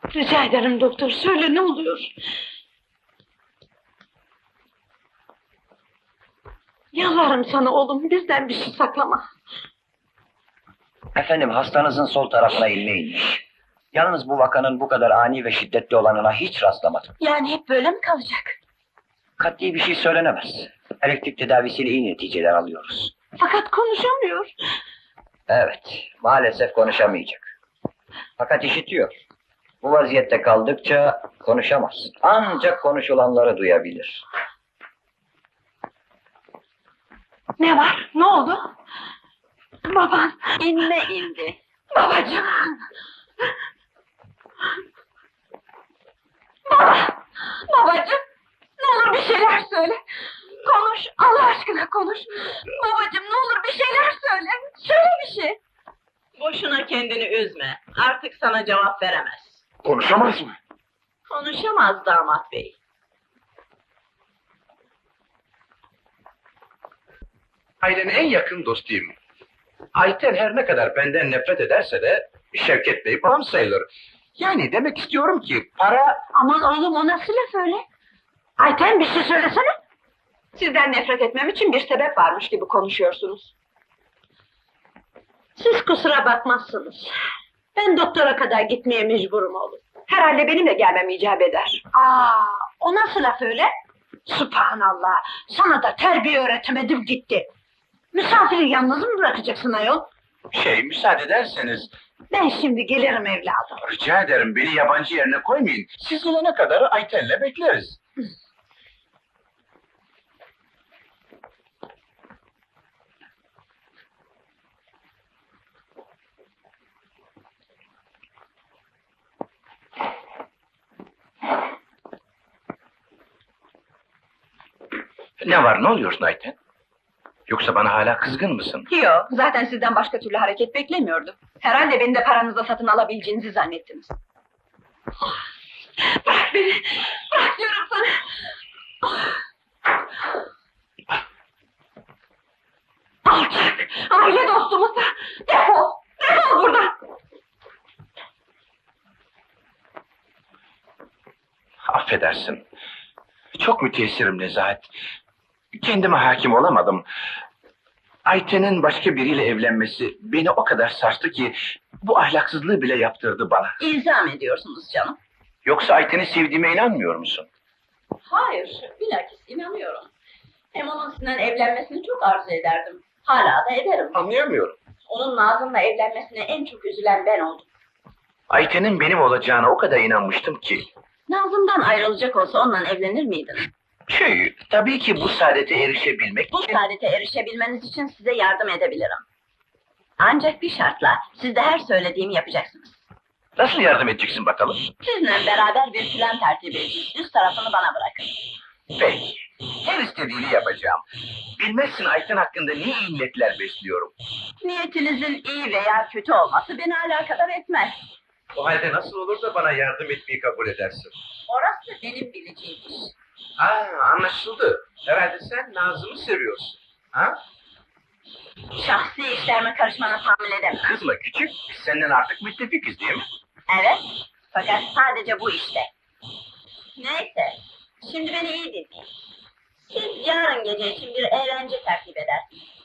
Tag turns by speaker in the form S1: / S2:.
S1: Rica ederim doktor, söyle ne oluyor? Yalvarırım sana oğlum, bizden bir şey saklama.
S2: Efendim, hastanızın sol tarafına ilme inmiş. Yalnız bu vakanın bu kadar ani ve şiddetli olanına hiç rastlamadım.
S1: Yani hep böyle mi kalacak?
S2: Kat'i bir şey söylenemez. Elektrik tedavisiyle iyi neticeler alıyoruz.
S1: Fakat konuşamıyor.
S2: Evet, maalesef konuşamayacak. Fakat işitiyor. Bu vaziyette kaldıkça konuşamaz. Ancak konuşulanları duyabilir.
S1: Ne var, ne oldu? Baban,
S3: İnme indi.
S1: babacığım! Baba, babacığım! Ne olur bir şeyler söyle! Konuş, Allah aşkına konuş! Babacığım ne olur bir şeyler söyle! Söyle bir şey!
S3: Boşuna kendini üzme. Artık sana cevap veremez.
S4: Konuşamaz mı?
S3: Konuşamaz damat bey.
S4: Ailenin en yakın dostuyum. Ayten her ne kadar benden nefret ederse de Şevket Bey babam sayılır. Yani demek istiyorum ki para...
S1: Aman oğlum o nasıl laf öyle? Ayten bir şey söylesene! Sizden nefret etmem için bir sebep varmış gibi konuşuyorsunuz. Siz kusura bakmazsınız. Ben doktora kadar gitmeye mecburum oğlum. Herhalde benim de gelmem icap eder. O nasıl laf öyle? Sübhanallah! Sana da terbiye öğretemedim gitti. Misafiri yalnız mı bırakacaksın ayol?
S4: Müsaade ederseniz
S1: Ben şimdi gelirim evladım.
S4: rica ederim beni yabancı yerine koymayın. Siz gelene kadar Ayten'le bekleriz. Ne var, ne oluyorsun Ayten? Yoksa bana hala kızgın mısın?
S1: Yok, zaten sizden başka türlü hareket beklemiyordum. Herhalde beni de paranızla satın alabileceğinizi zannettiniz. Bırak beni! Bırak diyorum sana! Alçak! Aile dostumuzsa! Defol! Defol buradan!
S4: Affedersin. Çok müteessirim Nezahat. Kendime hakim olamadım. Ayten'in başka biriyle evlenmesi beni o kadar sarstı ki bu ahlaksızlığı bile yaptırdı bana.
S3: İlzam ediyorsunuz canım.
S4: Yoksa Ayten'i sevdiğime inanmıyor musun?
S3: Hayır, bilakis inanıyorum. Hem onun sizinle evlenmesini çok arzu ederdim. Hala da ederim.
S4: Anlayamıyorum.
S3: Onun Nazım'la evlenmesine en çok üzülen ben oldum.
S4: Ayten'in benim olacağına o kadar inanmıştım ki.
S3: Nazım'dan ayrılacak olsa onunla evlenir miydin?
S4: Tabii ki bu saadete erişebilmek
S3: Bu
S4: için...
S3: saadete erişebilmeniz için size yardım edebilirim. Ancak bir şartla, siz de her söylediğimi yapacaksınız.
S4: Nasıl yardım edeceksin bakalım?
S3: Sizinle beraber bir plan tertip edeceğiz. Üst tarafını bana bırakın.
S4: Peki. Her istediğini yapacağım. Bilmezsin Ayten hakkında ne iyi niyetler besliyorum.
S3: Niyetinizin iyi veya kötü olması beni alakadar etmez.
S4: O halde nasıl olur da bana yardım etmeyi kabul edersin?
S3: Orası benim bileceğim iş.
S4: Anlaşıldı. Herhalde sen Nazım'ı seviyorsun. Ha?
S3: Şahsi işlerime karışmana tahammül edemem.
S4: Kızma küçük, biz senden artık müttefikiz değil mi?
S3: Evet, fakat sadece bu işte. Neyse, şimdi beni iyi dinleyin. Siz yarın gece için bir eğlence tertip edersiniz.